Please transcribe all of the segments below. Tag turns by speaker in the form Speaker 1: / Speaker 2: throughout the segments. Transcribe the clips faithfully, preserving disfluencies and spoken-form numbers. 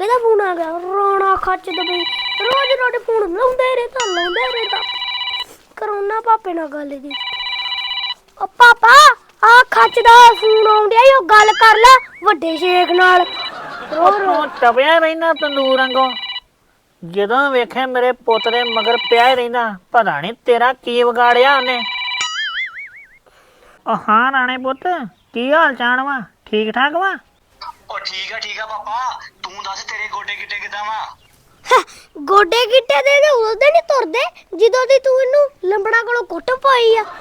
Speaker 1: ਇਹਦਾ ਫੋਨ ਆ ਗਿਆ ਰੋਣਾ ਖੱਚ ਦਬਈ ਰੋਜ਼ ਰੋਜ਼ ਫੋਨ ਲਾਉਂਦੇ ਰਹਿੰਦਾ ਲਾਉਂਦੇ ਰਹਿੰਦਾ ਕਰੋਨਾ ਪਾਪੇ ਨਾਲ ਗੱਲ ਦੀ ਓ ਪਾਪਾ ਆ ਖੱਚ ਦਾ ਫੋਨ ਆਉਂਦਿਆ ਈ ਉਹ ਗੱਲ ਕਰ ਲੈ ਵੱਡੇ ਸ਼ੇਖ ਨਾਲ ਰੋ ਰੋ
Speaker 2: ਟਪਿਆ ਰਹਿਣਾ ਤੰਦੂਰ ਵਾਂਗੋਂ ਜਦੋਂ ਵੇਖੇ ਮੇਰੇ ਪੁੱਤ ਦੇ ਮਗਰ ਪਿਆ ਹੀ ਰਹਿੰਦਾ ਪਤਾ ਨਹੀਂ ਤੇਰਾ ਕੀ ਵਿਗਾੜਿਆ ਉਹਨੇ। ਉਹ ਹਾਂ ਰਾਣੇ ਪੁੱਤ ਕੀ ਹਾਲ ਚਾਲ ਵਾ ਠੀਕ ਠਾਕ ਵਾ?
Speaker 3: ਉਹ ਠੀਕ ਆ ਠੀਕ ਆ ਪਾਪਾ ਤੂੰ ਦੱਸ ਤੇਰੇ ਗੋਡੇ ਗਿੱਟੇ ਕਿਦਾਂ ਵਾ?
Speaker 1: ਗੋਡੇ ਗਿੱਟੇ ਦੇ ਦੇ ਉਦੋਂ ਨਹੀਂ ਤੁਰਦੇ ਜਦੋਂ ਦੀ ਤੂੰ ਇਹਨੂੰ ਲੰਬੜਾ ਕੋਲੋਂ ਕੁੱਟ ਪਾਈ ਆ।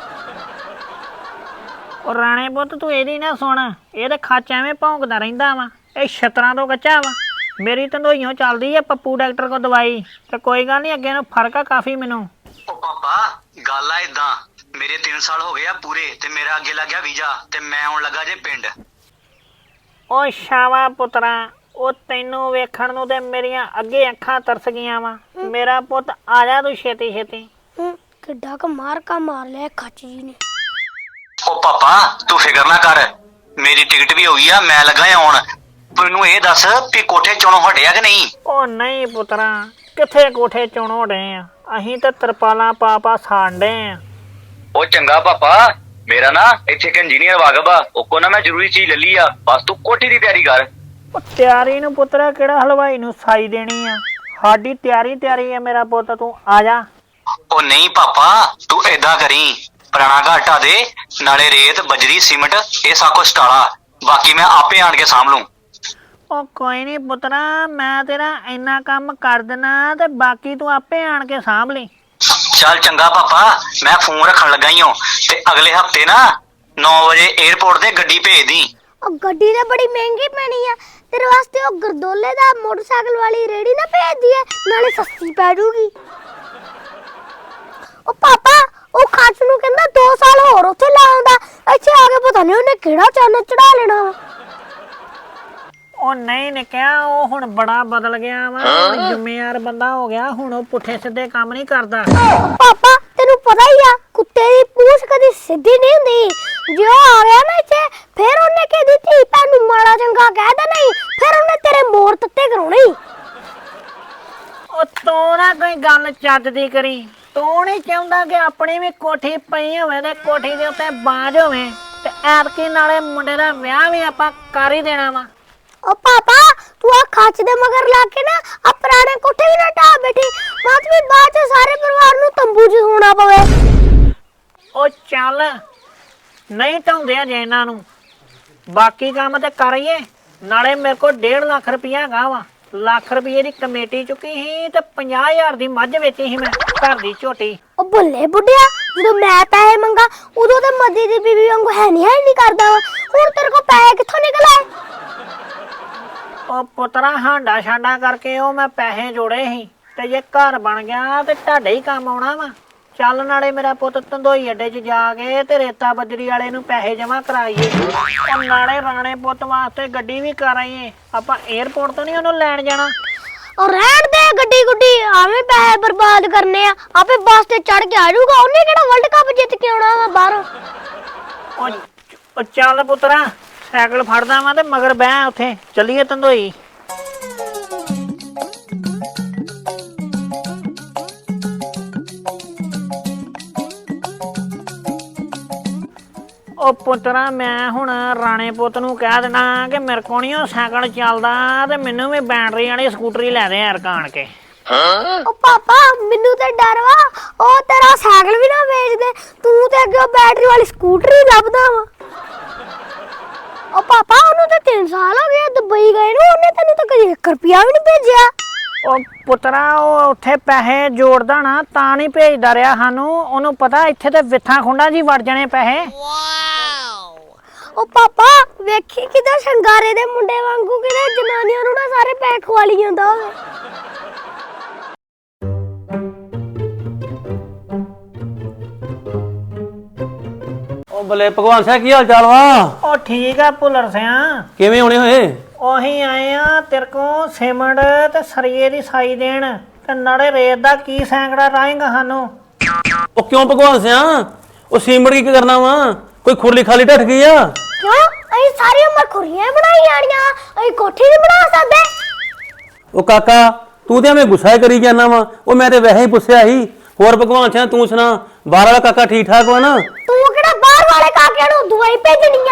Speaker 2: ਉਹ ਰਾਣੇ ਪੁੱਤ ਤੂੰ ਇਹਦੀ ਨਾ ਸੁਣ ਇਹ ਤੇ ਖੱਚ ਐਵੇਂ ਭੌਂਕਦਾ ਰਹਿੰਦਾ ਵਾ ਇਹ ਛਤਰਾਂ ਤੋਂ ਕੱਚਾ ਵਾ। ਮੇਰੀ ਤੰਦੋਈਓ ਚੱਲਦੀ ਆ ਪੱਪੂ ਡਾਕਟਰ ਕੋਲ ਦਵਾਈ ਤੇ ਕੋਈ ਗੱਲ ਨਹੀਂ ਅੱਗੇ ਨੂੰ ਫਰਕ ਆ ਕਾਫੀ ਮੈਨੂੰ।
Speaker 3: ਉਹ ਪਾਪਾ ਗੱਲ ਆ ਇਦਾਂ ਮੇਰੇ ਤਿੰਨ ਸਾਲ ਹੋ ਗਏ ਆ ਪੂਰੇ ਤੇ ਮੇਰਾ ਅੱਗੇ ਲੱਗ ਗਿਆ ਵੀਜ਼ਾ ਤੇ ਮੈਂ ਆਉਣ ਲੱਗਾ ਜੇ ਪਿੰਡ।
Speaker 2: ਉਹ ਸ਼ਾਵਾ ਪੁੱਤਰਾ ਉਹ ਤੈਨੂੰ ਵੇਖਣ ਨੂੰ ਤੇ ਮੇਰੀਆਂ ਅੱਗੇ ਅੱਖਾਂ ਤਰਸ ਗਈਆਂ ਵਾ। ਮੇਰਾ ਪੁੱਤ ਆ ਜਾ ਤੂੰ ਛੇਤੀ ਛੇਤੀ।
Speaker 1: ਕਿੱਡਾ ਕ ਮਾਰ ਕਾ ਮਾਰ ਲਿਆ ਖੱਚ ਜੀ ਨੇ।
Speaker 3: ਉਹ ਪਾਪਾ ਤੂੰ ਫਿਕਰ ਨਾ ਕਰ ਮੇਰੀ ਟਿਕਟ ਵੀ ਹੋ ਗਈ ਆ ਮੈਂ ਲੱਗਾ ਆਉਣ। ਤੈਨੂੰ ਇਹ ਦੱਸ ਵੀ ਕੋਠੇ ਚੋਣੋਂ ਹਟਿਆ ਕਿ ਨਹੀਂ?
Speaker 2: ਉਹ ਨਹੀਂ ਪੁੱਤਰਾ ਕਿੱਥੇ ਕੋਠੇ ਚੋਣੋਂ ਡੇ ਆ ਅਸੀਂ ਤੇ ਤਰਪਾਲਾਂ ਪਾ ਪਾ ਸਾਂਡੇ ਆ।
Speaker 3: ਉਹ ਚੰਗਾ ਪਾਪਾ ਮੇਰਾ ਨਾ ਇੱਥੇ ਇੱਕ ਇੰਜੀਨੀਅਰ ਵਾਗਬ ਆ ਉਹ ਕੋ ਨਾ ਮੈਂ ਜ਼ਰੂਰੀ ਚੀਜ਼ ਲੈ ਲਈ ਆ ਬਸ ਤੂੰ ਕੋਠੀ ਦੀ ਤਿਆਰੀ ਕਰ।
Speaker 2: ਉਹ ਤਿਆਰੀ ਨੂੰ ਪੁੱਤਰਾ ਕਿਹੜਾ ਹਲਵਾਈ ਨੂੰ ਸਾਈ ਦੇਣੀ ਆ ਸਾਡੀ ਤਿਆਰੀ ਤਿਆਰੀ ਆ ਮੇਰਾ ਪੁੱਤ ਤੂੰ ਆ ਜਾ।
Speaker 3: ਉਹ ਨਹੀਂ ਪਾਪਾ ਤੂੰ ਏਦਾਂ ਕਰੀ ਪੁਰਾਣਾ ਘਰ ਢਾ ਦੇ ਨਾਲੇ ਰੇਤ ਬਜਰੀ ਸੀਮਿੰਟ ਇਹ ਸਭ ਕੁਛ ਟਾਲਾ ਬਾਕੀ ਮੈਂ ਆਪੇ ਆਣ ਕੇ ਸਾਂਭ ਲੂੰ।
Speaker 2: ਉਹ ਕੋਈ ਨਹੀਂ ਪੁੱਤਰਾ ਮੈਂ ਤੇਰਾ ਇੰਨਾ ਕੰਮ ਕਰ ਦੇਣਾ ਤੇ ਬਾਕੀ ਤੂੰ ਆਪੇ ਆਣ ਕੇ ਸਾਂਭ ਲਈ।
Speaker 3: ਚੱਲ ਚੰਗਾ ਪਾਪਾ ਮੈਂ ਫੋਨ ਰੱਖਣ ਲੱਗਾ ਈ ਹਾਂ ਤੇ ਅਗਲੇ ਹਫਤੇ ਨਾ ਨੌ ਵਜੇ 에어ਪੋਰਟ ਤੇ ਗੱਡੀ ਭੇਜ ਦੀ।
Speaker 1: ਉਹ ਗੱਡੀ ਤਾਂ ਬੜੀ ਮਹਿੰਗੀ ਪੈਣੀ ਆ ਤੇਰੇ ਵਾਸਤੇ ਉਹ ਗਰਦੋਲੇ ਦਾ ਮੋਟਰਸਾਈਕਲ ਵਾਲੀ ਰੇੜੀ ਨਾ ਭੇਜ ਦਈਏ ਨਾਲੇ ਸਸਤੀ ਪੈ ਜੂਗੀ। ਉਹ ਪਾਪਾ ਉਹ ਖੱਚ ਨੂੰ ਕਹਿੰਦਾ ਦੋ ਸਾਲ ਹੋਰ ਉੱਥੇ ਲਾਉਂਦਾ ਇੱਥੇ ਆ ਕੇ ਪਤਾ ਨਹੀਂ ਉਹਨੇ ਕਿਹੜਾ ਚੰਨ ਚੜਾ ਲੈਣਾ ਵਾ।
Speaker 2: ਉਹ ਨਹੀਂ ਨਿਕਿਆ ਉਹ ਹੁਣ ਬੜਾ ਬਦਲ ਗਿਆ ਵਾ ਜ਼ਿੰਮੇਵਾਰ ਬੰਦਾ ਹੋ ਗਿਆ ਹੁਣ ਉਹ ਪੁੱਠੇ ਸਿੱਧੇ ਕੰਮ ਨਹੀਂ ਕਰਦਾ।
Speaker 1: ਪਾਪਾ ਤੈਨੂੰ ਪਤਾ ਹੀ ਆ ਕੁੱਤੇ ਦੀ ਪੂਛ ਕਦੀ ਸਿੱਧੀ ਨਹੀਂ ਹੁੰਦੀ ਜੇ ਉਹ ਆ ਗਿਆ ਨਾ ਇੱਥੇ ਫਿਰ ਉਹਨੇ ਕਿਹਦੀ ਧੀ ਭੈਣ ਨੂੰ ਮਾੜਾ ਚੰਗਾ ਕਹਿ ਦੇਣਾ ਹੀ ਫਿਰ ਉਹਨੇ ਤੇਰੇ ਮੋਰ ਤੱਤੇ ਕਰਾਉਣੇ ਹੀ।
Speaker 2: ਉਹ ਤੂੰ ਨਾ ਕੋਈ ਗੱਲ ਚੱਜ ਦੀ ਕਰੀ ਤੂੰ ਨਹੀਂ ਚਾਹੁੰਦਾ ਕਿ ਆਪਣੀ ਵੀ ਕੋਠੀ ਪਈ ਹੋਵੇ ਤੇ ਕੋਠੀ ਦੇ ਉੱਤੇ ਬਾਜ ਹੋਵੇ ਤੇ ਐਤਕੀ ਨਾਲੇ ਮੁੰਡੇ ਦਾ ਵਿਆਹ ਵੀ ਆਪਾਂ ਕਰ ਹੀ ਦੇਣਾ ਵਾ।
Speaker 1: ਉਹ ਪਾਪਾ ਤੂੰ ਆ ਖੱਚ ਦੇ ਮਗਰ ਲਾ ਕੇ ਨਾ ਆ ਪੁਰਾਣੇ ਕੋਠੇ ਵੀ ਨਾ ਢਾ ਬੈਠੀ ਬਾਅਦ ਵੀ ਬਾਅਦ ਚ ਸਾਰੇ ਪਰਿਵਾਰ ਨੂੰ ਤੰਬੂ 'ਚ ਸੌਣਾ ਪਵੇ।
Speaker 2: ਉਹ ਚੱਲ ਨਹੀਂ ਢਾਉਂਦੇ ਅਜੇ ਇਹਨਾਂ ਨੂੰ ਬਾਕੀ ਕੰਮ ਤੇ ਕਰੀਏ ਨਾਲੇ ਮੇਰੇ ਕੋਲ ਡੇਢ ਲੱਖ ਰੁਪਇਆ ਹੈਗਾ ਵਾ ਲੱਖ ਰੁਪਏ ਦੀ ਕਮੇਟੀ ਚੁੱਕੀ ਸੀ ਤੇ ਪੰਜਾਹ ਹਜ਼ਾਰ ਦੀ ਮੱਝ ਵੇਚੀ ਸੀ ਮੈਂ ਘਰ ਦੀ ਝੋਟੀ।
Speaker 1: ਉਹ ਭੁੱਲੇ ਬੁੱਢਿਆ ਜਦੋਂ ਮੈਂ ਪੈਸੇ ਮੰਗਾ ਉਦੋਂ ਤੇ ਮੱਦੀ ਦੀ ਬੀਬੀ ਵਾਂਗੂ ਹੈ ਨਹੀਂ ਹੈ ਨਹੀਂ ਕਰਦਾ ਹੁਣ ਤੇਰੇ ਕੋਲ ਪੈਸੇ ਕਿੱਥੋਂ ਨਿਕਲ ਆਏ?
Speaker 2: ਉਹ ਪੁੱਤਰਾ ਹਾਂਡਾ ਛਾਂਡਾ ਕਰਕੇ ਉਹ ਮੈਂ ਪੈਸੇ ਜੋੜੇ ਸੀ ਤੇ ਜੇ ਘਰ ਬਣ ਗਿਆ ਤੇ ਤੁਹਾਡੇ ਹੀ ਕੰਮ ਆਉਣਾ ਵਾ। ਚੱਲ ਨਾਲੇ ਮੇਰਾ ਪੁੱਤ ਧੰਦੋਈ ਅੱਡੇ 'ਚ ਜਾ ਕੇ ਤੇ ਰੇਤਾ ਬਜਰੀ ਵਾਲੇ ਨੂੰ ਪੈਸੇ ਜਮ੍ਹਾਂ ਕਰਾਈਏ ਉਹ ਨਾਲੇ ਰਾਣੇ ਪੁੱਤ ਵਾਸਤੇ ਗੱਡੀ ਵੀ ਕਰਾਈਏ ਆਪਾਂ 에어ਪੋਰਟ ਤੋਂ ਨਹੀਂ ਉਹਨੂੰ ਲੈਣ ਜਾਣਾ।
Speaker 1: ਉਹ ਰਹਿਣ ਦੇ ਗੱਡੀ ਗੁੱਡੀ ਆਵੇਂ ਪੈਸੇ ਬਰਬਾਦ ਕਰਨੇ ਆ ਆਪੇ ਬੱਸ ਤੇ ਚੜ ਕੇ ਆ ਜਾਊਗਾ ਉਹਨੇ ਕਿਹੜਾ ਵਰਲਡ ਕੱਪ ਜਿੱਤ ਕੇ ਆਉਣਾ ਵਾ ਬਾਹਰੋਂ।
Speaker 2: ਉਹ ਚੱਲ ਪੁੱਤਰਾ ਸਾਈਕਲ ਫੜਦਾ ਵਾਂ ਤੇ ਮਗਰ ਬਹਿ ਉੱਥੇ ਚੱਲੀਏ ਧੰਦੋਈ। ਉਹ ਪੁੱਤਰਾ ਮੈਂ ਹੁਣ ਰਾਣੇ ਪੁੱਤ ਨੂੰ ਕਹਿ ਦੇਣਾ ਕਿ ਮੇਰੇ ਕੋਲ ਨਹੀਂ ਉਹ ਸਾਈਕਲ ਚੱਲਦਾ ਤੇ ਮੈਨੂੰ ਵੀ ਬੈਟਰੀ ਵਾਲੀ ਸਕੂਟਰੀ ਲੈ ਦੇ ਯਾਰ ਕਾਣ ਕੇ।
Speaker 1: ਉਹ ਪਾਪਾ ਮੈਨੂੰ ਤੇ ਡਰ ਵਾ ਉਹ ਤੇਰਾ ਸਾਈਕਲ ਵੀ ਨਾ ਵੇਚ ਦੇ ਤੂੰ ਤੇ ਅੱਗੇ ਬੈਟਰੀ ਵਾਲੀ ਸਕੂਟਰੀ ਲੱਭਦਾ ਵਾ। ਉਹ ਪਾਪਾ ਉਹਨੂੰ ਤੇ ਤਿੰਨ ਸਾਲ ਹੋ ਗਏ ਦੁਬਈ ਗਏ ਨੂੰ ਉਹਨੇ ਤੈਨੂੰ ਤਾਂ ਕਦੇ ਇੱਕ ਰੁਪਿਆ ਵੀ ਨਹੀਂ ਭੇਜਿਆ।
Speaker 2: ਉਹ ਪੁੱਤਰਾ ਉਹ ਉੱਥੇ ਪੈਸੇ ਜੋੜਦਾ ਨਾ ਤਾਂ ਨਹੀਂ ਭੇਜਦਾ ਰਿਹਾ ਸਾਨੂੰ ਉਹਨੂੰ ਪਤਾ ਇੱਥੇ ਤੇ ਵਿਥਾਂ ਖੁੰਡਾਂ ਜੀ ਵੜ ਜਾਣੇ ਪੈਸੇ।
Speaker 1: ਉਹ ਪਾਪਾ ਵੇਖੀ ਕਿਦਾਂ ਸ਼ੰਗਾਰੇ ਦੇ ਮੁੰਡੇ ਵਾਂਗੂ ਕਿਤੇ ਜਨਾਨੀਆਂ ਨੂੰ ਨਾ ਸਾਰੇ ਪੈਸੇ ਖਵਾਲੀ ਜਾਂਦਾ ਹੋਵੇ।
Speaker 4: ਉਹ ਬਲੇ ਭਗਵਾਨ ਸਿੰਘ ਕੀ ਹਾਲ ਚਾਲ ਵਾ?
Speaker 2: ਉਹ ਠੀਕ ਆ ਭੁੱਲਰ ਸਿਆ
Speaker 4: ਕਿਵੇਂ ਹੋਣੇ ਹੋਏ?
Speaker 2: ਉਹੀ ਆਏ ਆ ਤੇਰੇ ਕੋ ਸੀਮੈਂਟ ਤੇ ਸਰੀਏ ਦੀ ਸਾਈ ਦੇਣ ਤੇ ਨਾਲੇ ਰੇਤ ਦਾ ਕੀ ਸੈਂਕੜਾ ਰਾਏਗਾ ਸਾਨੂੰ।
Speaker 4: ਉਹ ਕਿਉਂ ਭਗਵਾਨ ਸਿਆ ਉਹ ਸੀਮੜ ਕੀ ਕਰਨਾ ਵਾ ਕੋਈ ਖੁਰਲੀ ਖਾਲੀ ਢੱਠ ਗਈ ਆ?
Speaker 1: ਕਿਉਂ ਅਸੀਂ ਸਾਰੀ ਉਮਰ ਖੁਰੀਆਂ ਬਣਾਈ ਆੜੀਆਂ ਅਸੀਂ ਕੋਠੀ ਨਹੀਂ ਬਣਾ ਸਕਦੇ।
Speaker 4: ਉਹ ਕਾਕਾ ਤੂੰ ਤੇ ਐਵੇਂ ਗੁੱਸਾ ਹੀ ਕਰੀ ਜਾਂਦਾ ਵਾ। ਉਹ ਮੈਂ ਤੇ ਵੈਸੇ ਹੀ ਪੁੱਛਿਆ ਸੀ। ਹੋਰ ਭਗਵਾਨ ਸਿਆ ਤੂੰ ਸੁਣਾ, ਬਾਹਰ ਵਾਲਾ ਕਾਕਾ ਠੀਕ ਠਾਕ ਵਾ ਨਾ?
Speaker 1: ਤੂੰ ਕਿਹੜਾ ਬਾਹਰ ਵਾਲੇ ਕਾਕਿਆਂ ਨੂੰ ਦਵਾਈ ਭੇਜਣੀ ਆ?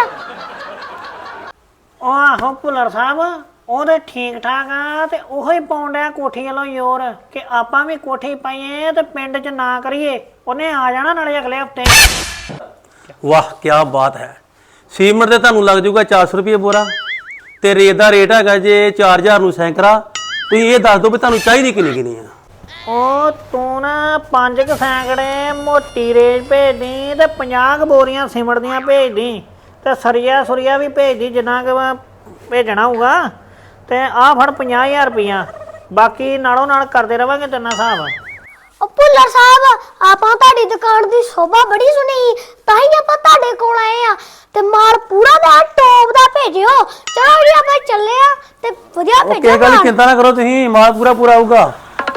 Speaker 2: ਉਹ ਆਹੋ ਭੁੱਲਰ ਸਾਹਿਬ, ਉਹਦੇ ਠੀਕ ਠਾਕ ਆ ਤੇ ਉਹੋ ਹੀ ਪਾਉਣ ਡਿਆ ਕੋਠੀ ਵੱਲੋਂ ਜ਼ੋਰ ਕਿ ਆਪਾਂ ਵੀ ਕੋਠੀ ਪਾਈਏ ਤੇ ਪਿੰਡ 'ਚ ਨਾ ਕਰੀਏ। ਉਹਨੇ ਆ ਜਾਣਾ ਨਾਲੇ ਅਗਲੇ ਹਫਤੇ।
Speaker 4: ਵਾਹ ਕੀ ਬਾਤ ਹੈ। ਸੀਮਟ ਤੇ ਤੁਹਾਨੂੰ ਲੱਗ ਜਾਊਗਾ ਚਾਰ ਸੌ ਰੁਪਏ ਬੋਰਾ ਤੇ ਰੇਤ ਦਾ ਰੇਟ ਹੈਗਾ ਜੇ ਚਾਰ ਹਜ਼ਾਰ ਨੂੰ ਸੈਂਕੜਾ। ਤੁਸੀਂ ਇਹ ਦੱਸ ਦਿਓ ਵੀ ਤੁਹਾਨੂੰ ਚਾਹੀਦੀ ਕਿੰਨੀ ਕਿੰਨੀ ਆ?
Speaker 2: ਉਹ ਤੂੰ ਨਾ ਪੰਜ ਕੁ ਸੈਂਕੜੇ ਮੋਟੀ ਰੇਤ ਭੇਜਦੀ ਤੇ ਪੰਜਾਹ ਕੁ ਬੋਰੀਆਂ ਸਿਮਟ ਦੀਆਂ ਭੇਜਦੀ ਤੇ ਸਰੀਆ ਸੁਰੀਆ ਵੀ ਭੇਜਦੀ ਜਿੰਨਾ ਕੁ ਭੇਜਣਾ ਹੋਊਗਾ। ਤੇ ਆਹ ਫੜ ਪੰਜਾਹ ਹਜ਼ਾਰ ਰੁਪਈਆ, ਬਾਕੀ ਨਾਲੋਂ ਨਾਲ ਕਰਦੇ ਰਵਾਂਗੇ ਤੇਨਾਂ ਹਿਸਾਬ।
Speaker 1: ਉਹ ਭੁੱਲਰ ਸਾਹਿਬ, ਆਪਾਂ ਤੁਹਾਡੀ ਦੁਕਾਨ ਦੀ ਸ਼ੋਭਾ ਬੜੀ ਸੁਣੀ, ਤਾਂ ਹੀ ਆਪਾਂ ਤੁਹਾਡੇ ਕੋਲ ਆਏ ਆ। ਤੇ ਮਾਲ ਪੂਰਾ ਦਾ ਟੋਪ ਦਾ ਭੇਜਿਓ। ਚਲੋ ਜੀ ਆਪਾਂ ਚੱਲੇ ਆ ਤੇ ਵਧੀਆ
Speaker 4: ਉਹ
Speaker 1: ਭੇਜੋ
Speaker 4: ਕਿਸੇ ਗੱਲ ਦੀ ਚਿੰਤਾ ਨਾ ਕਰੋ ਤੁਸੀਂ, ਮਾਲ ਪੂਰਾ ਪੂਰਾ ਆਊਗਾ।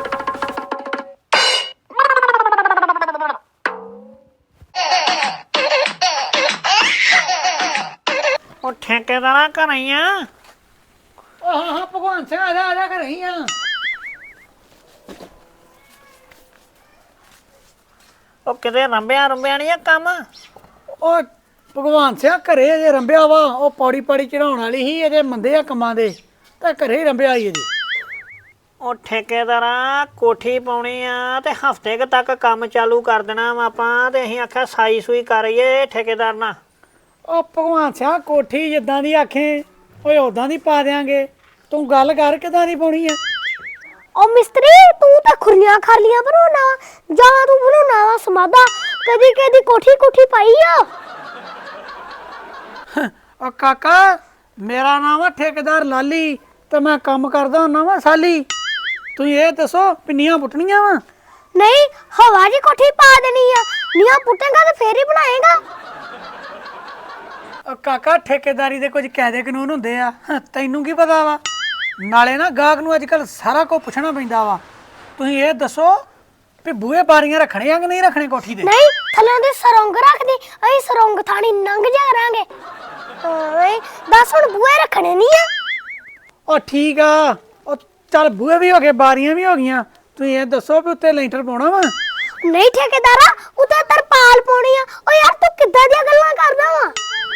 Speaker 2: ਉਹ ਠੇਕੇਦਾਰਾਂ ਘਰ ਹੀ ਆ?
Speaker 5: ਉਹ ਹਾਂ ਹਾਂ ਭਗਵਾਨ ਸਿੰਘ ਆ ਜਾ ਆ ਜਾ ਕਰ ਰਹੀ ਆ।
Speaker 2: ਉਹ ਕਿਤੇ ਰੰਬਿਆ ਰੰਬਿਆ ਨਹੀਂ ਆ ਕੰਮ?
Speaker 5: ਉਹ ਭਗਵਾਨ ਸਿੰਘ ਘਰੇ ਜੇ ਰੰਬਿਆ ਵਾ, ਉਹ ਪੌੜੀ ਪੌੜੀ ਚੜਾਉਣ ਵਾਲੀ ਸੀ, ਇਹਦੇ ਮੰਦੇ ਆ ਕੰਮਾਂ ਦੇ, ਤਾਂ ਘਰੇ ਹੀ ਰੰਬਿਆ ਹੀ ਇਹਦੇ।
Speaker 2: ਉਹ ਠੇਕੇਦਾਰਾਂ ਕੋਠੀ ਪਾਉਣੀ ਆ ਤੇ ਹਫਤੇ ਕੁ ਤੱਕ ਕੰਮ ਚਾਲੂ ਕਰ ਦੇਣਾ ਵਾ ਆਪਾਂ, ਤੇ ਅਸੀਂ ਆਖਿਆ ਸਾਈ ਸੂਈ ਕਰੀਏ ਠੇਕੇਦਾਰ ਨਾਲ।
Speaker 5: ਉਹ ਭਗਵਾਨ ਸਿੰਘ ਕੋਠੀ ਜਿੱਦਾਂ ਦੀ ਆਖੇ ਓਏ ਉਦਾਂ ਦੀ ਪਾ ਦਿਆਂਗੇ। ਤੂੰ ਗੱਲ ਕਰ ਕਿਦਾਂ ਦੀ ਪਾਉਣੀ ਆ?
Speaker 1: ਉਹ ਮਿਸਤਰੀ, ਤੂੰ ਤਾਂ ਖੁਰੀਆਂ ਖਾਲੀਆਂ ਬਣਾਉਣਾ ਵਾ ਜਾਂ ਤੂੰ ਬਣਾਉਣਾ ਵਾ ਸਮਾਦਾ? ਕਦੀ ਕਦੀ ਕੋਠੀ ਕੋਠੀ ਪਾਈ ਆ?
Speaker 5: ਉਹ ਕਾਕਾ, ਮੇਰਾ ਨਾਮ ਆ ਠੇਕੇਦਾਰ ਲਾਲੀ ਤੇ ਮੈਂ ਕੰਮ ਕਰਦਾ ਹੁੰਦਾ ਵਾ ਸਾਲੀ। ਤੁਸੀਂ ਇਹ ਦੱਸੋ ਪਿੰਨੀਆਂ ਪੁੱਟਣੀਆਂ ਵਾ?
Speaker 1: ਨਹੀਂ, ਹਵਾ ਜੀ ਕੋਠੀ ਪਾ ਦੇਣੀ ਆ। ਨੀਆਂ ਪੁੱਟੇਗਾ ਤੇ ਫੇਰ ਹੀ ਬਣਾਏਗਾ।
Speaker 5: ਉਹ ਕਾਕਾ, ਠੇਕੇਦਾਰੀ ਦੇ ਕੁਝ ਕਾਇਦੇ ਕਾਨੂੰਨ ਹੁੰਦੇ ਆ, ਤੈਨੂੰ ਕੀ ਪਤਾ ਵਾ? ਨਾਲੇ ਨਾ ਗਾਹਕ ਨੂੰ ਅੱਜ ਕੱਲ ਸਾਰਾ ਕੁਝ ਪੁੱਛਣਾ ਪੈਂਦਾ ਵਾ। ਤੁਸੀਂ ਇਹ ਦੱਸੋ ਵੀ ਬੂਹੇ ਬਾਰੀਆਂ ਰੱਖਣੇ ਆ ਕਿ ਨਹੀਂ ਰੱਖਣੇ ਕੋਠੀ ਦੇ?
Speaker 1: ਨਹੀਂ, ਥੱਲੇ ਦੇ ਸਰੰਗ ਰੱਖਦੇ, ਅਸੀਂ ਸਰੰਗ ਥਾਣੀ ਨੰਗ ਜਾ ਕਰਾਂਗੇ। ਓਏ ਦੱਸ, ਹੁਣ ਬੂਹੇ ਰੱਖਣੇ ਨਹੀਂ ਆ?
Speaker 5: ਉਹ ਠੀਕ ਆ, ਉਹ ਚੱਲ ਬੂਹੇ ਵੀ ਹੋ ਗਏ ਬਾਰੀਆਂ ਵੀ ਹੋ ਗਈਆਂ। ਤੁਸੀਂ ਇਹ ਦੱਸੋ ਵੀ ਉੱਤੇ ਲੈਂਟਰ ਪਾਉਣਾ ਵਾ?
Speaker 1: ਨਹੀਂ ਠੇਕੇਦਾਰਾ, ਉੱਤੇ ਤਰਪਾਲ ਪਾਉਣੀ ਆ। ਓ ਯਾਰ ਤੂੰ ਕਿੱਦਾਂ ਦੀਆਂ ਗੱਲਾਂ ਕਰਦਾ ਵਾ?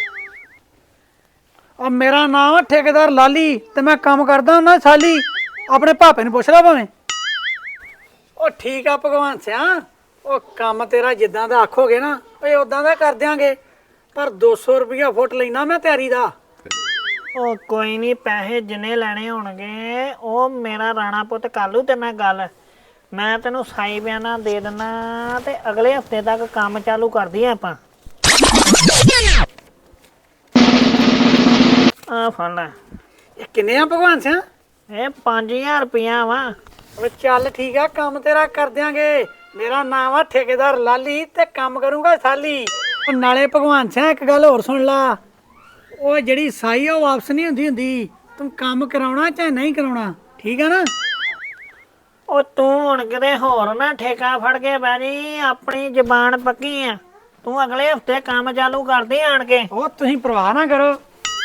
Speaker 5: ਉਹ ਮੇਰਾ ਨਾਮ ਆ ਠੇਕੇਦਾਰ ਲਾਲੀ ਤੇ ਮੈਂ ਕੰਮ ਕਰਦਾ ਹੁੰਦਾ ਸਾਲੀ। ਆਪਣੇ ਭਾਪੇ ਨੂੰ ਪੁੱਛ ਲੈ ਭਾਵੇਂ। ਉਹ ਠੀਕ ਆ ਭਗਵਾਨ ਸਿਆ, ਉਹ ਕੰਮ ਤੇਰਾ ਜਿੱਦਾਂ ਦਾ ਆਖੋਗੇ ਨਾ ਓਏ ਉਦਾਂ ਦਾ ਕਰ ਦਿਆਂਗੇ, ਪਰ ਦੋ ਸੌ ਰੁਪਇਆ ਫੁੱਟ ਲੈਣਾ ਮੈਂ ਤਿਆਰੀ ਦਾ।
Speaker 2: ਉਹ ਕੋਈ ਨਹੀਂ, ਪੈਸੇ ਜਿੰਨੇ ਲੈਣੇ ਹੋਣਗੇ ਉਹ ਮੇਰਾ ਰਾਣਾ ਪੁੱਤ ਕਰ ਲੂ ਤੇ ਮੈਂ ਗੱਲ। ਮੈਂ ਤੈਨੂੰ ਸਾਈ ਬਿਆਨਾ ਦੇ ਦਿੰਦਾ ਤੇ ਅਗਲੇ ਹਫਤੇ ਤੱਕ ਕੰਮ ਚਾਲੂ ਕਰਦੀ ਆਪਾਂ। ਆ ਫੜ ਲੈ।
Speaker 5: ਇਹ ਕਿੰਨੇ ਆ ਭਗਵਾਨ ਸਿਆ?
Speaker 2: ਇਹ ਪੰਜ ਹਜ਼ਾਰ ਰੁਪਈਆ ਵਾ।
Speaker 5: ਉਹ ਚੱਲ ਠੀਕ ਆ, ਕੰਮ ਤੇਰਾ ਕਰ ਦਿਆਂਗੇ। ਮੇਰਾ ਨਾਮ ਆ ਠੇਕੇਦਾਰ ਲਾਲੀ ਤੇ ਕੰਮ ਕਰੂੰਗਾ ਸਾਲੀ। ਉਹ ਨਾਲੇ ਭਗਵਾਨ ਸਿਆ ਇੱਕ ਗੱਲ ਹੋਰ ਸੁਣ ਲਾ, ਉਹ ਜਿਹੜੀ ਸਾਈ ਆ ਉਹ ਵਾਪਸ ਨਹੀਂ ਹੁੰਦੀ ਹੁੰਦੀ। ਤੂੰ ਕੰਮ ਕਰਾਉਣਾ ਚਾਹੇ ਨਹੀਂ ਕਰਾਉਣਾ, ਠੀਕ ਆ ਨਾ?
Speaker 2: ਉਹ ਤੂੰ ਹੁਣ ਕਿਤੇ ਹੋਰ ਨਾ ਠੇਕਾ ਫੜ ਕੇ ਬਹਿ ਜੀ, ਆਪਣੀ ਜ਼ਬਾਨ ਪੱਕੀ ਆ। ਤੂੰ ਅਗਲੇ ਹਫਤੇ ਕੰਮ ਚਾਲੂ ਕਰਦੀ ਆਣ ਕੇ।
Speaker 5: ਉਹ ਤੁਸੀਂ ਪਰਵਾਹ ਨਾ ਕਰੋ।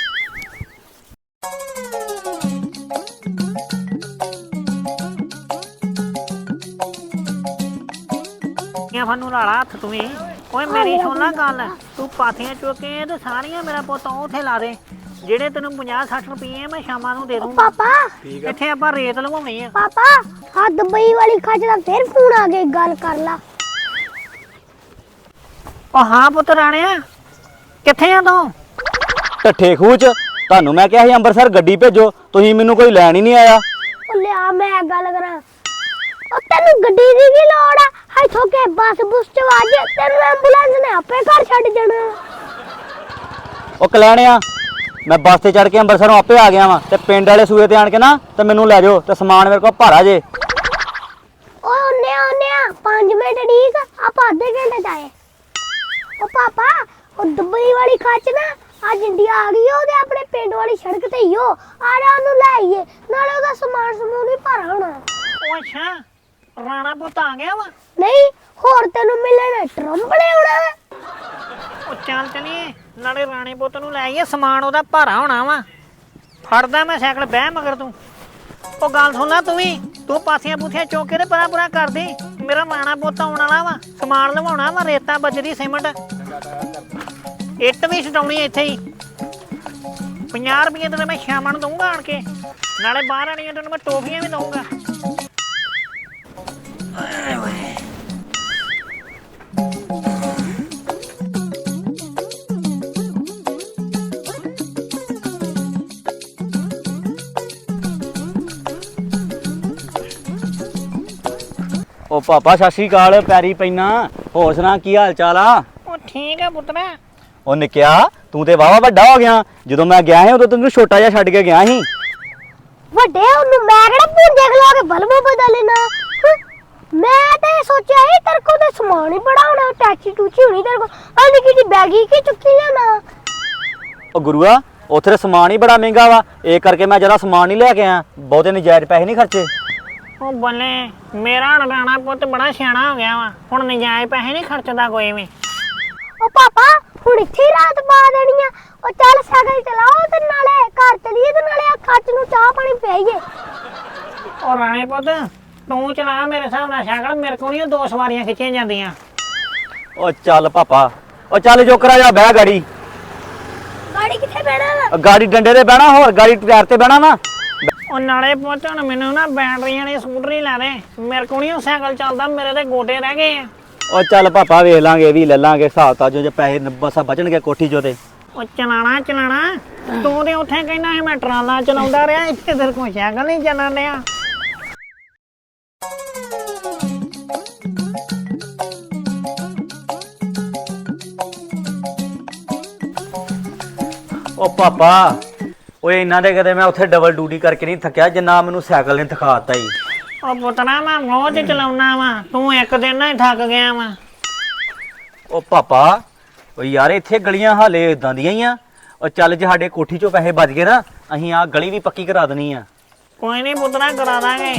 Speaker 2: ਫਨੂੰ ਲਾਲਾ ਹੱਥ ਤੂੰ ਵੀ। ਓਏ ਮੇਰੀ ਸੁਣ ਲੈ ਗੱਲ, ਤੂੰ ਪਾਥੀਆਂ ਚੁੱਕੇ ਤੇ ਸਾਰੀਆਂ ਮੇਰਾ ਪੁੱਤ ਉੱਥੇ ਲਾ ਦੇ। ਜਿਹੜੇ ਤੈਨੂੰ ਪੰਜਾਹ ਸੱਠ ਰੁਪਏ ਮੈਂ ਸ਼ਾਮਾਂ ਨੂੰ ਦੇ ਦੂੰਗਾ।
Speaker 1: ਪਾਪਾ
Speaker 2: ਇੱਥੇ ਆਪਾਂ ਰੇਤ ਲਵਾਉਣੀ ਆ।
Speaker 1: ਪਾਪਾ, ਆ ਦੁਬਈ ਵਾਲੀ ਖੱਜ ਦਾ ਫੇਰ ਫੋਨ ਆ ਗਿਆ, ਗੱਲ ਕਰ ਲਾ।
Speaker 2: ਉਹ ਹਾਂ ਪੁੱਤ ਰਾਣਿਆ, ਕਿੱਥੇ ਆ ਤੂੰ?
Speaker 6: ਢੱਠੇ ਖੂਹ ਚ ਤੁਹਾਨੂੰ ਮੈਂ ਕਿਹਾ ਸੀ ਅੰਮ੍ਰਿਤਸਰ ਗੱਡੀ ਭੇਜੋ, ਤੁਸੀਂ ਮੈਨੂੰ ਕੋਈ ਲੈਣ ਹੀ ਨਹੀਂ ਆਇਆ।
Speaker 1: ਉਹ ਲਿਆ ਮੈਂ ਗੱਲ ਕਰਾਂ। ਉਹ ਤੈਨੂੰ ਗੱਡੀ ਦੀ ਕੀ ਲੋੜ ਆ? ਇੱਥੋਂ ਕੇ ਬੱਸ ਬੁਸ ਚ ਵਾਜ, ਤੈਨੂੰ ਐਂਬੂਲੈਂਸ ਨੇ ਆਪੇ ਘਰ ਛੱਡ ਜਾਣਾ।
Speaker 6: ਉਹ ਕਲੈਣਿਆ, ਮੈਂ ਬੱਸ ਤੇ ਚੜ ਕੇ ਅੰਮ੍ਰਿਤਸਰੋਂ ਆਪੇ ਆ ਗਿਆ ਵਾਂ ਤੇ ਪਿੰਡ ਵਾਲੇ ਸੂਏ ਤੇ ਆਣ ਕੇ ਨਾ ਤੇ ਮੈਨੂੰ ਲੈ ਜਾਓ ਤੇ ਸਮਾਨ ਮੇਰੇ ਕੋਲ ਭਾਰਾ ਜੇ।
Speaker 1: ਓਏ ਉਹਨੇ ਉਹਨੇ ਪੰਜ ਮਿੰਟ ਠੀਕ, ਆਪਾਂ ਅੱਧੇ ਘੰਟੇ ਚ ਆਏ। ਉਹ ਪਾਪਾ, ਉਹ ਦੁਬਈ ਵਾਲੀ ਖੱਚ ਨਾ ਅੱਜ ਇੰਡੀਆ ਆ ਗਈ, ਉਹਦੇ ਆਪਣੇ ਪਿੰਡ ਵਾਲੀ ਸੜਕ ਤੇ ਹੀ ਹੋ। ਆ ਜਾ ਉਹਨੂੰ ਲੈ ਆਈਏ, ਨਾਲੇ ਉਹਦਾ ਸਮਾਨ ਸਮੂਨ ਵੀ ਭਾਰਾ ਹੋਣਾ।
Speaker 2: ਉਹ ਅੱਛਾ, ਰਾਣਾ ਪੁੱਤ ਆ ਗਿਆ ਵਾ?
Speaker 1: ਨਹੀਂ, ਹੋਰ ਤੈਨੂੰ ਮਿਲਣ ਟਰੰਬਲੇ ਹੋਣਾ।
Speaker 2: ਉਹ ਚੱਲ ਚਲੀਏ, ਨਾਲੇ ਰਾਣੇ ਪੁੱਤ ਨੂੰ ਲੈ ਆਈਏ, ਸਮਾਨ ਉਹਦਾ ਭਾਰਾ ਹੋਣਾ ਵਾ। ਫੜਦਾ ਮੈਂ ਸਾਈਕਲ, ਬਹਿ ਮਗਰ ਤੂੰ। ਉਹ ਗੱਲ ਸੁਣ ਲੈ ਤੂੰ ਵੀ ਤੂੰ ਪਾਸੀਆਂ ਪੂਥੀਆਂ ਚੁੱਕ ਕੇ ਤੇ ਪਰਾ ਪਰਾ ਕਰਦੀ ਮੇਰਾ ਮਾਣਾ ਪੁੱਤ ਆਉਣ ਵਾਲਾ ਵਾ ਸਮਾਨ ਲਵਾਉਣਾ ਵਾ ਰੇਤਾ ਬਜਰੀ ਸੀਮੈਂਟ ਇੱਟ ਵੀ ਛਡਾਉਣੀ ਇੱਥੇ ਹੀ ਪੰਜਾਹ ਰੁਪਏ ਤੇ ਮੈਂ ਸ਼ਾਮਾਂ ਨੂੰ ਦਊਂਗਾ ਆਣ ਕੇ ਨਾਲੇ ਬਾਹਰ ਆਣੀਆਂ ਤੈਨੂੰ ਮੈਂ ਟੋਫੀਆਂ ਵੀ ਦਊਂਗਾ
Speaker 6: ਉਹ ਪਾਪਾ ਸਤਿ ਸ਼੍ਰੀ ਅਕਾਲ ਪੈਰੀ ਪੈਣਾ ਹੋਰ ਸੁਣਾ ਕੀ ਹਾਲ ਚਾਲ ਆ
Speaker 2: ਉਹ ਠੀਕ ਆ ਪੁੱਤਰਾ
Speaker 6: ਉਹ ਨਿੱਕਿਆ ਤੂੰ ਤੇ ਵਾਵਾ ਵੱਡਾ ਹੋ ਗਿਆ ਜਦੋਂ ਮੈਂ ਗਿਆ ਸੀ ਉਦੋਂ ਤੈਨੂੰ ਛੋਟਾ ਜਿਹਾ ਛੱਡ ਕੇ ਗਿਆ ਸੀ
Speaker 1: ਵੱਡੇ ਉਹਨੂੰ ਮੈਂ ਕਿਹੜਾ ਭੁੰਜੇ ਖਲਾ ਕੇ ਬਲਬ ਬਦਲਣਾ ਮੈਂ ਤਾਂ ਇਹ ਸੋਚਿਆ ਸੀ ਤੇਰੇ ਕੋਲ ਤਾਂ ਸਮਾਨ ਹੀ ਬੜਾ ਹੋਣਾ ਟੈਚੀ ਟੂਚੀ ਹੋਣੀ ਤੇਰੇ ਕੋਲ ਆ ਨਿੱਕੀ ਜਿਹੀ ਬੈਗੀ ਕੀ ਚੁੱਕੀ ਲੈਣਾ
Speaker 6: ਉਹ ਗੁਰੂਆ ਉੱਥੇ ਤਾਂ ਸਮਾਨ ਹੀ ਬੜਾ ਮਹਿੰਗਾ ਵਾ ਇਹ ਕਰਕੇ ਮੈਂ ਜਰਾ ਸਮਾਨ ਨਹੀਂ ਲੈ ਕੇ ਆਇਆ ਬਹੁਤੇ ਨਜਾਇਜ਼ ਪੈਸੇ ਨਹੀਂ ਖਰਚੇ
Speaker 2: ਉਹ ਬੱਲੇ ਮੇਰਾ ਹੁਣ ਰਾਣਾ ਪੁੱਤ ਬੜਾ ਸਿਆਣਾ ਹੋ ਗਿਆ ਵਾ ਹੁਣ ਨਜਾਇਜ਼ ਪੈਸੇ ਨਹੀਂ ਖਰਚਦਾ ਕੋਈ ਵੀ
Speaker 1: ਉਹ ਪਾਪਾ ਹੁਣ ਇੱਥੇ ਹੀ ਰਾਤ ਪਾ ਦੇਣੀ ਆ ਉਹ ਚੱਲ ਸਾਈਕਲ ਚਲਾਓ ਤੇ ਨਾਲੇ ਘਰ ਚਲੀਏ ਤੇ ਨਾਲੇ ਆ ਖੱਚ ਨੂੰ ਚਾਹ ਪਾਣੀ ਪਿਆਈਏ
Speaker 2: ਉਹ ਰਾਣੇ ਪੁੱਤ ਤੂੰ ਚਲਾ ਮੇਰੇ ਹਿਸਾਬ ਨਾਲ ਸਾਈਕਲ ਮੇਰੇ ਕੋਲ ਨਹੀਂ ਦੋ ਸਵਾਰੀਆਂ ਖਿੱਚੀਆਂ ਜਾਂਦੀਆਂ
Speaker 6: ਉਹ ਚੱਲ ਪਾਪਾ ਉਹ ਚੱਲ ਜੋਕਰਾ ਜਾ ਬਹਿ ਗਾੜੀ
Speaker 1: ਗਾੜੀ ਕਿੱਥੇ ਬਹਿਣਾ
Speaker 6: ਗਾੜੀ ਡੰਡੇ ਤੇ ਬਹਿਣਾ ਹੋਰ ਗਾੜੀ ਟਾਇਰ ਤੇ ਬਹਿਣਾ ਵਾ
Speaker 2: ਉਹ ਨਾਲੇ ਪੁੱਤ ਹੁਣ ਮੈਨੂੰ ਨਾ ਬੈਟਰੀਆਂ ਵਾਲੀ ਸਕੂਟਰੀ ਲੈ ਦੇ ਮੇਰੇ ਕੋਲ ਨਹੀਂ ਉਹ ਸਾਈਕਲ ਚੱਲਦਾ ਮੇਰੇ ਤੇ ਗੋਡੇ ਰਹਿ ਗਏ ਆ
Speaker 6: ਉਹ ਚੱਲ ਪਾਪਾ ਵੇਖ ਲਾਂਗੇ ਇਹ ਵੀ ਲੈ ਲਾਂਗੇ ਹਿਸਾਬ ਤਾਂ ਜੋ ਜੇ ਪੈਸੇ ਬਸਾ ਬਚਣਗੇ ਕੋਠੀ ਚੋਂ ਤੇ
Speaker 2: ਉਹ ਚਲਾਣਾ ਚਲਾਣਾ ਤੂੰ ਤੇ ਉੱਥੇ ਕਹਿੰਦਾ ਸੀ ਮੈਂ ਟਰਾਲਾ ਚਲਾਉਂਦਾ ਰਿਹਾ ਇੱਥੇ ਤੇਰੇ ਕੋਲ ਸਾਈਕਲ ਨਹੀਂ ਚੱਲਣ ਡਿਆ
Speaker 6: ਉਹ ਪਾਪਾ ਓਏ ਇਹਨਾਂ ਦੇ ਕਦੇ ਮੈਂ ਉੱਥੇ ਡਬਲ ਡਿਊਟੀ ਕਰਕੇ ਨਹੀਂ ਥੱਕਿਆ ਜਿੰਨਾ ਮੈਨੂੰ ਸਾਈਕਲ ਨੇ ਥਕਾਤਾ ਈ
Speaker 2: ਉਹ ਪੁੱਤਰਾ ਮੈਂ ਰੋਜ਼ ਚਲਾਉਣਾ ਵਾ ਤੂੰ ਇੱਕ ਦਿਨ ਨਾਲ ਹੀ ਥੱਕ ਗਿਆ ਵਾ
Speaker 6: ਉਹ ਪਾਪਾ ਓ ਯਾਰ ਇੱਥੇ ਗਲੀਆਂ ਹਾਲੇ ਇਦਾਂ ਦੀਆਂ ਹੀ ਆ ਉਹ ਚੱਲ ਜੇ ਸਾਡੇ ਕੋਠੀ ਚੋਂ ਪੈਸੇ ਬਚ ਗਏ ਨਾ ਅਸੀਂ ਆ ਗਲੀ ਵੀ ਪੱਕੀ ਕਰਾ ਦੇਣੀ ਆ
Speaker 2: ਕੋਈ ਨਹੀਂ ਪੁੱਤਰਾ ਕਰਾ ਦਾਂਗੇ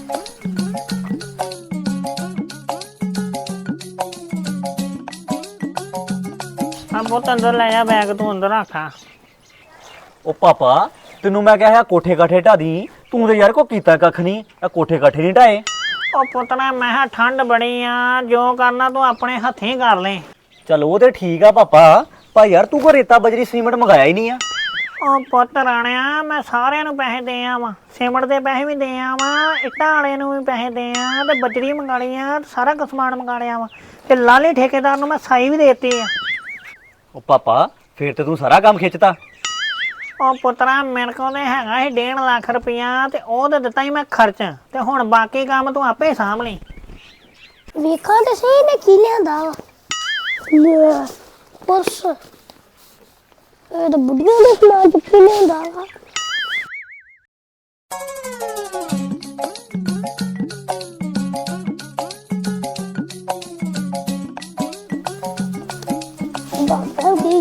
Speaker 2: ਆ ਪੁੱਤ ਅੰਦਰ ਲੈ ਜਾ ਬੈਗ ਤੂੰ ਅੰਦਰ ਰੱਖਾ
Speaker 6: ਉਹ ਪਾਪਾ ਤੈਨੂੰ ਮੈਂ ਕਿਹਾ ਕੋਠੇ ਕਾਠੇ ਢਾ ਦੀ ਤੂੰ ਤੇ ਯਾਰ ਕੋ ਕੀਤਾ ਕੱਖ ਨਹੀਂ ਆ ਕੋਠੇ ਕਾਠੇ ਨਹੀਂ ਢਾਏ
Speaker 2: ਉਹ ਪੁੱਤਰਾ ਮੈਂ ਕਿਹਾ ਠੰਡ ਬੜੀ ਆ ਜੋ ਕਰਨਾ ਤੂੰ ਆਪਣੇ ਹੱਥੀਂ ਕਰ ਲੈ
Speaker 6: ਚਲ ਉਹ ਤੇ ਠੀਕ ਆ ਪਾਪਾ ਪਰ ਯਾਰ ਤੂੰ ਕੋ ਰੇਤਾ ਬਜਰੀ ਸੀਮੈਂਟ ਮੰਗਾਇਆ ਹੀ ਨਹੀਂ ਆ
Speaker 2: ਉਹ ਪੁੱਤ ਰਾਣਿਆ ਮੈਂ ਸਾਰਿਆਂ ਨੂੰ ਪੈਸੇ ਦੇ ਆਵਾਂ ਸੀਮੈਂਟ ਦੇ ਪੈਸੇ ਵੀ ਦੇ ਆਵਾਂ ਇੱਟਾਂ ਵਾਲੇ ਨੂੰ ਵੀ ਪੈਸੇ ਦੇ ਆ ਤੇ ਬਜਰੀ ਮੰਗਾ ਲਈ ਆ ਸਾਰਾ ਕੁ ਸਮਾਨ ਮੰਗਾ ਲਿਆ ਵਾ ਤੇ ਲਾਲੀ ਠੇਕੇਦਾਰ ਨੂੰ ਮੈਂ ਸਾਈ ਵੀ ਦੇਤੀ ਆ
Speaker 6: ਉਹ ਪਾਪਾ ਫੇਰ ਤੇ ਤੂੰ ਸਾਰਾ ਕੰਮ ਖਿੱਚਤਾ
Speaker 2: ਉਹ ਪੁੱਤਰਾ ਮੇਰੇ ਕੋਲ ਤੇ ਹੈਗਾ ਸੀ ਡੇਢ ਲੱਖ ਰੁਪਇਆ ਤੇ ਉਹ ਤੇ ਦਿੱਤਾ ਹੀ ਮੈਂ ਖਰਚ ਤੇ ਹੁਣ ਬਾਕੀ ਕੰਮ ਤੂੰ ਆਪੇ ਸਾਂਭ ਲਈ
Speaker 1: ਵੇਖਾਂ ਤੇ ਸਹੀ ਨੇ ਕੀ ਲਿਆਂਦਾ ਵਾ ਲੈ ਪਰਸ ਇਹ ਤਾਂ ਬੁੱਢੀਆਂ ਦੇ ਸਮਾਨ ਚੁੱਕੀ ਲਿਆਂਦਾ ਵਾ ਬਾਬਾ ਦੀ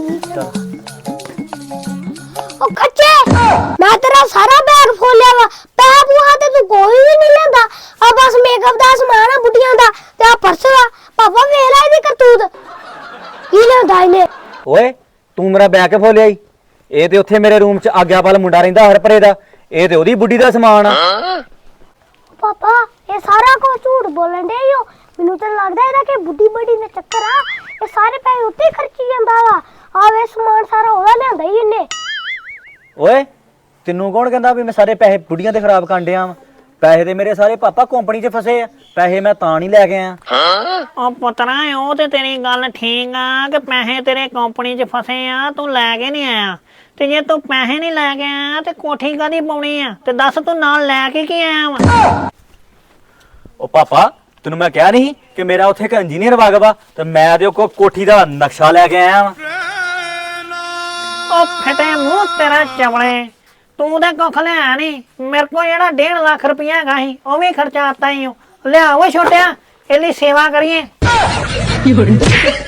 Speaker 1: ਉਹ ਕੱਚੇ ਮੈਂ ਤੇਰਾ ਸਾਰਾ ਬੈਗ ਫੋਲਿਆ ਵਾ ਪੈ ਬੂਹਾ ਤੇ ਤੂੰ ਕੋਈ ਵੀ ਨਹੀਂ ਲੈਂਦਾ ਆ ਬਸ ਮੇਕਅਪ ਦਾ ਸਮਾਨ ਆ ਬੁੱਢੀਆਂ ਦਾ ਤੇ ਆ ਪਰਸ ਆ ਪਾਪਾ ਵੇਖ ਲੈ ਇਹਦੀ ਕਰਤੂਤ ਕੀ ਲੈਂਦਾ ਇਹਨੇ
Speaker 6: ਓਏ ਤੂੰ ਮੇਰਾ ਬੈਗ ਕੇ ਫੋਲਿਆ ਈ ਇਹ ਤੇ ਉੱਥੇ ਮੇਰੇ ਰੂਮ 'ਚ ਆਗਿਆਪਾਲ ਮੁੰਡਾ ਰਹਿੰਦਾ ਹਰਪਰੇ ਦਾ ਇਹ ਤੇ ਉਹਦੀ ਬੁੱਢੀ ਦਾ ਸਮਾਨ ਆ
Speaker 1: ਪਾਪਾ ਇਹ ਸਾਰਾ ਕੁਝ ਝੂਠ ਬੋਲਣ ਦੇ ਈਓ ਮੈਨੂੰ ਤਾਂ ਲੱਗਦਾ ਇਹਦਾ ਕਿ ਬੁੱਢੀ ਬੜੀ ਦਾ ਚੱਕਰ ਆ ਇਹ ਸਾਰੇ ਪੈਸੇ ਉੱਤੇ ਖਰਚੀ ਜਾਂਦਾ ਵਾ ਆ ਵੇ ਸਮਾਨ ਸਾਰਾ ਉਹਦਾ ਲਿਆਂਦਾ ਹੀ ਇਹਨੇ
Speaker 6: ਓਏ ਤੈਨੂੰ ਕੌਣ ਕਹਿੰਦਾ ਵੀ ਮੈਂ ਸਾਰੇ ਪੈਸੇ ਬੁੱਢੀਆਂ ਤੇ ਖਰਾਬ ਕਰਨ ਡਿਆ ਵਾਂ ਪੈਸੇ ਤੇ ਮੇਰੇ ਸਾਰੇ ਪਾਪਾ ਕੰਪਨੀ 'ਚ ਫਸੇ ਆ ਪੈਸੇ ਮੈਂ ਤਾਂ ਨਹੀਂ ਲੈ ਕੇ ਆਇਆ
Speaker 2: ਉਹ ਪੁੱਤਰਾ ਉਹ ਤੇ ਤੇਰੀ ਗੱਲ ਠੀਕ ਆ ਕਿ ਪੈਸੇ ਤੇਰੇ ਕੰਪਨੀ 'ਚ ਫਸੇ ਆ ਤੂੰ ਲੈ ਕੇ ਨਹੀਂ ਆਇਆ ਤੇ ਜੇ ਤੂੰ ਪੈਸੇ ਨਹੀਂ ਲੈ ਕੇ ਆਇਆ ਤੇ ਕੋਠੀ ਕਾਹਦੀ ਪਾਉਣੀ ਆ ਤੇ ਦੱਸ ਤੂੰ ਨਾਲ ਲੈ ਕੇ ਕੀ ਆਇਆ ਵਾ
Speaker 6: ਉਹ ਪਾਪਾ ਤੈਨੂੰ ਮੈਂ ਕਿਹਾ ਨਹੀਂ ਕਿ ਮੇਰਾ ਉੱਥੇ ਇੱਕ ਇੰਜੀਨੀਅਰ ਵਗ ਵਾ ਤੇ ਮੈਂ ਤੇ ਉਹ ਕੋਠੀ ਦਾ ਨਕਸ਼ਾ ਲੈ ਕੇ ਆਇਆ ਵਾਂ
Speaker 2: ਉਹ ਫਟੇ ਮੂੰਹ ਤੇਰਾ ਚਵਲੇ ਤੂੰ ਤਾਂ ਕੁੱਖ ਲਿਆ ਨਹੀਂ ਮੇਰੇ ਕੋਲ ਜਿਹੜਾ ਡੇਢ ਲੱਖ ਰੁਪਇਆ ਹੈਗਾ ਸੀ ਉਹ ਵੀ ਖਰਚਾ ਆਤਾ ਹੀ ਲਿਆ ਉਹ ਛੋਟਿਆ ਇਹਦੀ ਸੇਵਾ ਕਰੀਏ